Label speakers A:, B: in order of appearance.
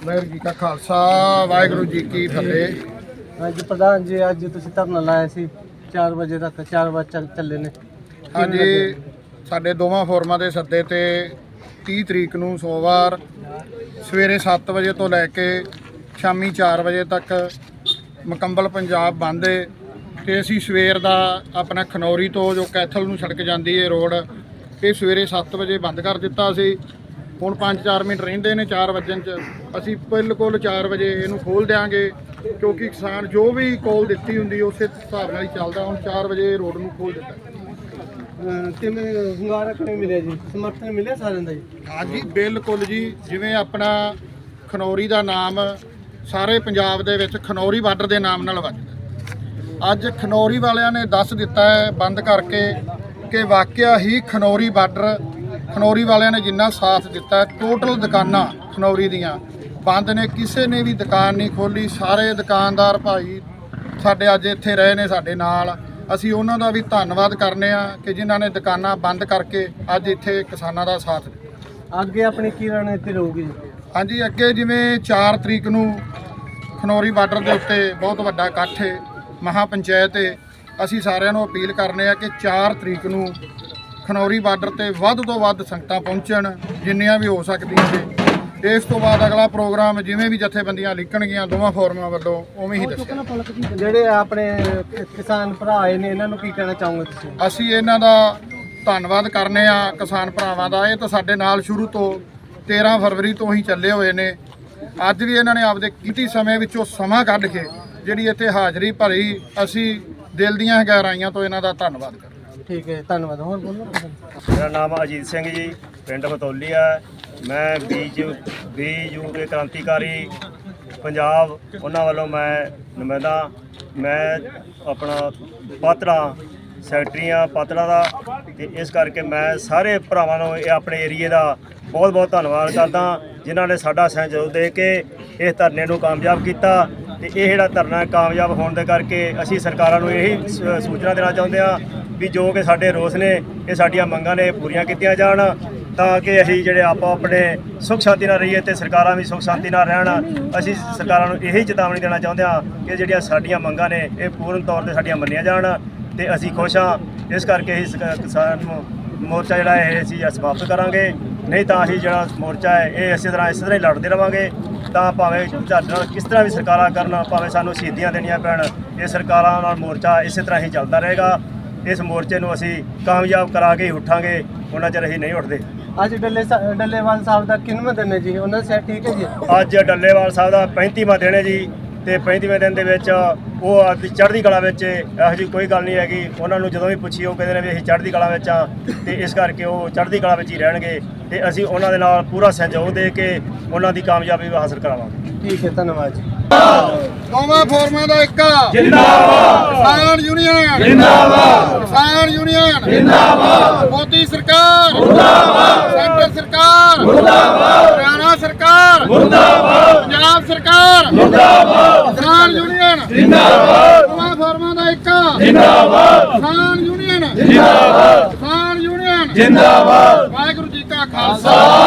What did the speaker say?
A: ਵਾਹਿਗੁਰੂ ਜੀ ਕਾ ਖਾਲਸਾ ਵਾਹਿਗੁਰੂ ਜੀ ਕੀ ਫਤਿਹ।
B: ਅੱਜ ਪ੍ਰਧਾਨ ਜੀ ਅੱਜ ਤੁਸੀਂ ਧਰਨਾ ਲਾਇਆ ਸੀ 4 ਵਜੇ ਤੱਕ 4 ਵਜੇ ਚੱਲੇ ਨੇ।
A: ਹਾਂਜੀ, ਸਾਡੇ ਦੋਵਾਂ ਫੋਰਮਾਂ ਦੇ ਸੱਦੇ ਤੇ 30 ਤਰੀਕ ਨੂੰ ਸੋਮਵਾਰ ਸਵੇਰੇ 7 ਵਜੇ ਤੋਂ ਲੈ ਕੇ ਸ਼ਾਮੀ 4 ਵਜੇ ਤੱਕ ਮੁਕੰਮਲ ਪੰਜਾਬ ਬੰਦ ਹੈ ਤੇ ਅਸੀਂ ਸਵੇਰ ਦਾ ਆਪਣਾ ਖਨੌਰੀ ਤੋਂ ਜੋ ਕੈਥਲ ਨੂੰ ਸੜਕ ਜਾਂਦੀ ਹੈ ਰੋਡ, ਇਹ ਸਵੇਰੇ 7 ਵਜੇ ਬੰਦ ਕਰ ਦਿੱਤਾ ਸੀ। ਹੁਣ 5-4 ਮਿੰਟ ਰਹਿੰਦੇ ਨੇ 4 ਵਜਣ 'ਚ, ਅਸੀਂ ਬਿਲਕੁਲ 4 ਵਜੇ ਇਹਨੂੰ ਖੋਲ੍ਹ ਦਿਆਂਗੇ ਕਿਉਂਕਿ ਕਿਸਾਨ ਜੋ ਵੀ ਕੋਲ ਦਿੱਤੀ ਹੁੰਦੀ ਉਸੇ ਹਿਸਾਬ ਨਾਲ ਹੀ ਚੱਲਦਾ। ਹੁਣ 4 ਵਜੇ ਰੋਡ ਨੂੰ ਖੋਲ੍ਹ ਦਿੱਤਾ।
B: ਕਿਵੇਂ ਹੁੰਗਾਰਾ ਕਿਵੇਂ ਮਿਲਿਆ ਜੀ, ਸਮਰਥਨ ਮਿਲਿਆ ਸਾਰਿਆਂ ਦਾ ਜੀ?
A: ਹਾਂਜੀ ਬਿਲਕੁਲ ਜੀ, ਜਿਵੇਂ ਆਪਣਾ ਖਨੌਰੀ ਦਾ ਨਾਮ ਸਾਰੇ ਪੰਜਾਬ ਦੇ ਵਿੱਚ ਖਨੌਰੀ ਬਾਰਡਰ ਦੇ ਨਾਮ ਨਾਲ ਵੱਜਦਾ। ਅੱਜ ਖਨੌਰੀ ਵਾਲਿਆਂ ਨੇ ਦੱਸ ਦਿੱਤਾ ਹੈ ਬੰਦ ਕਰਕੇ ਕਿ ਵਾਕਿਆ ਹੀ ਖਨੌਰੀ ਬਾਰਡਰ, ਖਨੌਰੀ ਵਾਲਿਆਂ ਨੇ ਜਿੰਨਾ ਸਾਥ ਦਿੱਤਾ, ਟੋਟਲ ਦੁਕਾਨਾਂ ਖਨੌਰੀ ਦੀਆਂ ਬੰਦ ਨੇ, ਕਿਸੇ ਨੇ ਵੀ ਦੁਕਾਨ ਨਹੀਂ ਖੋਲ੍ਹੀ। ਸਾਰੇ ਦੁਕਾਨਦਾਰ ਭਾਈ ਸਾਡੇ ਅੱਜ ਇੱਥੇ ਰਹੇ ਨੇ ਸਾਡੇ ਨਾਲ, ਅਸੀਂ ਉਹਨਾਂ ਦਾ ਵੀ ਧੰਨਵਾਦ ਕਰਨੇ ਆ ਕਿ ਜਿਨ੍ਹਾਂ ਨੇ ਦੁਕਾਨਾਂ ਬੰਦ ਕਰਕੇ ਅੱਜ ਇੱਥੇ ਕਿਸਾਨਾਂ ਦਾ ਸਾਥ ਦਿੱਤਾ।
B: ਅੱਗੇ ਆਪਣੀ ਕੀ ਰਣਨੀਤੀ ਰਹੂਗੀ ਜੀ?
A: ਹਾਂਜੀ, ਅੱਗੇ ਜਿਵੇਂ 4 ਤਰੀਕ ਨੂੰ ਖਨੌਰੀ ਬਾਰਡਰ ਦੇ ਉੱਤੇ ਬਹੁਤ ਵੱਡਾ ਇਕੱਠ ਹੈ, ਮਹਾ ਪੰਚਾਇਤ ਹੈ, ਅਸੀਂ ਸਾਰਿਆਂ ਨੂੰ ਅਪੀਲ ਕਰਨੇ ਆ ਕਿ 4 ਤਰੀਕ ਨੂੰ ਖਨੌਰੀ ਬਾਰਡਰ ਤੇ ਵੱਧ ਤੋਂ ਵੱਧ ਸੰਗਤਾਂ ਪਹੁੰਚਣ ਜਿੰਨੀਆਂ ਵੀ ਹੋ ਸਕਦੀਆਂ ਨੇ। ਇਸ ਤੋਂ ਬਾਅਦ ਅਗਲਾ ਪ੍ਰੋਗਰਾਮ ਜਿਵੇਂ ਵੀ ਜਥੇਬੰਦੀਆਂ ਲਿਖਣਗੀਆਂ ਦੋਵਾਂ ਫੋਰਮਾਂ ਵੱਲੋਂ ਉਵੇਂ ਹੀ ਦੱਸਿਆ।
B: ਜਿਹੜੇ ਆਪਣੇ ਕਿਸਾਨ ਭਰਾ ਆਏ ਨੇ ਇਹਨਾਂ ਨੂੰ ਕੀ ਕਹਿਣਾ ਚਾਹੋਗੇ ਤੁਸੀਂ?
A: ਅਸੀਂ ਇਹਨਾਂ ਦਾ ਧੰਨਵਾਦ ਕਰਨੇ ਆ ਕਿਸਾਨ ਭਰਾਵਾਂ ਦਾ। ਇਹ ਤਾਂ ਸਾਡੇ ਨਾਲ ਸ਼ੁਰੂ ਤੋਂ 13 ਫਰਵਰੀ ਤੋਂ ਹੀ ਚੱਲੇ ਹੋਏ ਨੇ। ਅੱਜ ਵੀ ਇਹਨਾਂ ਨੇ ਆਪਦੇ ਕੀਮਤੀ ਸਮੇਂ ਵਿੱਚੋਂ ਸਮਾਂ ਕੱਢ ਕੇ ਜਿਹੜੀ ਇੱਥੇ ਹਾਜ਼ਰੀ ਭਰੀ, ਅਸੀਂ ਦਿਲ ਦੀਆਂ ਗਹਿਰਾਈਆਂ ਤੋਂ ਇਹਨਾਂ ਦਾ ਧੰਨਵਾਦ ਕਰਦੇ।
B: ਠੀਕ ਹੈ, ਧੰਨਵਾਦ। ਹੋਰ ਬੋਲੋ।
C: ਮੇਰਾ ਨਾਮ ਅਜੀਤ ਸਿੰਘ ਜੀ, ਪਿੰਡ ਬਤੌਲੀ ਹੈ। ਮੈਂ ਬੀਯੂ ਦੇ ਕ੍ਰਾਂਤੀਕਾਰੀ ਪੰਜਾਬ ਉਹਨਾਂ ਵੱਲੋਂ ਮੈਂ ਨੁਮਾਇੰਦਾ। ਮੈਂ ਆਪਣਾ ਪਾਤੜਾ ਸੈਕਟਰੀ ਹਾਂ ਪਾਤੜਾ ਦਾ, ਤੇ ਇਸ ਕਰਕੇ ਮੈਂ ਸਾਰੇ ਭਰਾਵਾਂ ਨੂੰ ਇਹ ਆਪਣੇ ਏਰੀਏ ਦਾ ਬਹੁਤ ਬਹੁਤ ਧੰਨਵਾਦ ਕਰਦਾ ਜਿਨ੍ਹਾਂ ਨੇ ਸਾਡਾ ਸਹਿਯੋਗ ਦੇ ਕੇ ਇਸ ਧਰਨੇ ਨੂੰ ਕਾਮਯਾਬ ਕੀਤਾ। ਤੇ ਇਹ ਜਿਹੜਾ ਧਰਨਾ ਕਾਮਯਾਬ ਹੋਣ ਦੇ ਕਰਕੇ ਅਸੀਂ ਸਰਕਾਰਾਂ ਨੂੰ ਇਹੀ ਸੂਚਨਾ ਦੇਣਾ ਚਾਹੁੰਦੇ ਹਾਂ ਵੀ ਜੋ ਕਿ ਸਾਡੇ ਰੋਸ ਨੇ, ਇਹ ਸਾਡੀਆਂ ਮੰਗਾਂ ਨੇ ਪੂਰੀਆਂ ਕੀਤੀਆਂ ਜਾਣ ਤਾਂ ਕਿ ਅਸੀਂ ਜਿਹੜੇ ਆਪੋ ਆਪਣੇ ਸੁੱਖ ਸ਼ਾਂਤੀ ਨਾਲ ਰਹੀਏ ਤੇ ਸਰਕਾਰਾਂ ਵੀ ਸੁੱਖ ਸ਼ਾਂਤੀ ਨਾਲ ਰਹਿਣ। ਅਸੀਂ ਸਰਕਾਰਾਂ ਨੂੰ ਇਹੀ ਚੇਤਾਵਨੀ ਦੇਣਾ ਚਾਹੁੰਦੇ ਹਾਂ ਕਿ ਜਿਹੜੀਆਂ ਸਾਡੀਆਂ ਮੰਗਾਂ ਨੇ ਇਹ ਪੂਰਨ ਤੌਰ ਤੇ ਸਾਡੀਆਂ ਮੰਨੀਆਂ ਜਾਣ ਤੇ ਅਸੀਂ ਖੁਸ਼ ਹਾਂ। ਇਸ ਕਰਕੇ ਅਸੀਂ ਕਿਸਾਨ ਮੋਰਚਾ ਜਿਹੜਾ ਇਹ ਅਸੀਂ ਸਮਾਪਤ ਕਰਾਂਗੇ, ਨਹੀਂ ਤਾਂ ਅਸੀਂ ਜਿਹੜਾ ਮੋਰਚਾ ਹੈ ਇਹ ਇਸੇ ਤਰ੍ਹਾਂ ਹੀ ਲੜਦੇ ਰਹਾਂਗੇ। ਤਾਂ ਭਾਵੇਂ ਸਾਡੇ ਨਾਲ ਕਿਸ ਤਰ੍ਹਾਂ ਵੀ ਸਰਕਾਰਾਂ ਕਰਨ, ਭਾਵੇਂ ਸਾਨੂੰ ਸ਼ਹੀਦੀਆਂ ਦੇਣੀਆਂ ਪੈਣ, ਇਹ ਸਰਕਾਰਾਂ ਨਾਲ ਮੋਰਚਾ ਇਸੇ ਤਰ੍ਹਾਂ ਹੀ ਚੱਲਦਾ ਰਹੇਗਾ। ਇਸ ਮੋਰਚੇ ਨੂੰ ਅਸੀਂ ਕਾਮਯਾਬ ਕਰਾ ਕੇ ਹੀ ਉੱਠਾਂਗੇ, ਉਹਨਾਂ ਚਿਰ ਅਸੀਂ ਨਹੀਂ ਉੱਠਦੇ।
B: ਅੱਜ ਡੱਲੇਵਾਲ ਸਾਹਿਬ ਦਾ ਕਿੰਨਵਾਂ ਦਿਨ ਹੈ ਜੀ? ਉਹਨਾਂ ਦਾ ਸੈਟ ਠੀਕ ਹੈ ਜੀ?
C: ਅੱਜ ਡੱਲੇਵਾਲ ਸਾਹਿਬ ਦਾ 35ਵਾਂ ਦਿਨ ਹੈ ਜੀ, ਤੇ 35ਵੇਂ ਦਿਨ ਦੇ ਵਿੱਚ ਉਹ ਆਪਣੀ ਚੜ੍ਹਦੀ ਕਲਾ ਵਿੱਚ, ਇਹੋ ਜਿਹੀ ਕੋਈ ਗੱਲ ਨਹੀਂ ਹੈਗੀ। ਉਹਨਾਂ ਨੂੰ ਜਦੋਂ ਵੀ ਪੁੱਛੀ ਉਹ ਕਹਿੰਦੇ ਨੇ ਵੀ ਅਸੀਂ ਚੜ੍ਹਦੀ ਕਲਾ ਵਿੱਚ ਆ, ਤੇ ਇਸ ਕਰਕੇ ਉਹ ਚੜ੍ਹਦੀ ਕਲਾ ਵਿੱਚ ਹੀ ਰਹਿਣਗੇ ਤੇ ਅਸੀਂ ਉਹਨਾਂ ਦੇ ਨਾਲ ਪੂਰਾ ਸਹਿਯੋਗ ਦੇ ਕੇ ਉਹਨਾਂ ਦੀ ਕਾਮਯਾਬੀ ਹਾਸਲ ਕਰਾਵਾਂਗੇ।
B: ਠੀਕ ਹੈ, ਧੰਨਵਾਦ ਜੀ।
A: ਦੋਵਾਂ ਫੋਰਮਾਂ ਦਾ ਇੱਕ
C: ਜਿੰਦਾਬਾਦ,
A: ਕਿਸਾਨ ਯੂਨੀਅਨ
C: ਜਿੰਦਾਬਾਦ,
A: ਕਿਸਾਨ ਯੂਨੀਅਨ
C: ਜਿੰਦਾਬਾਦ,
A: ਮੋਦੀ ਸਰਕਾਰ
C: ਮੁਰਦਾਬਾਦ,
A: ਸੈਂਟਰ ਸਰਕਾਰ
C: ਮੁਰਦਾਬਾਦ,
A: ਹਰਿਆਣਾ ਸਰਕਾਰ
C: ਮੁਰਦਾਬਾਦ,
A: ਪੰਜਾਬ ਸਰਕਾਰ
C: ਮੁਰਦਾਬਾਦ,
A: ਕਿਸਾਨ ਯੂਨੀਅਨ
C: ਜਿੰਦਾਬਾਦ,
A: ਦੋਵਾਂ ਫੋਰਮਾਂ ਦਾ ਇੱਕ
C: ਜਿੰਦਾਬਾਦ,
A: ਕਿਸਾਨ ਯੂਨੀਅਨ
C: ਜਿੰਦਾਬਾਦ,
A: ਕਿਸਾਨ ਯੂਨੀਅਨ
C: ਜਿੰਦਾਬਾਦ।
A: ਵਾਹਿਗੁਰੂ ਜੀ ਕਾ ਖਾਲਸਾ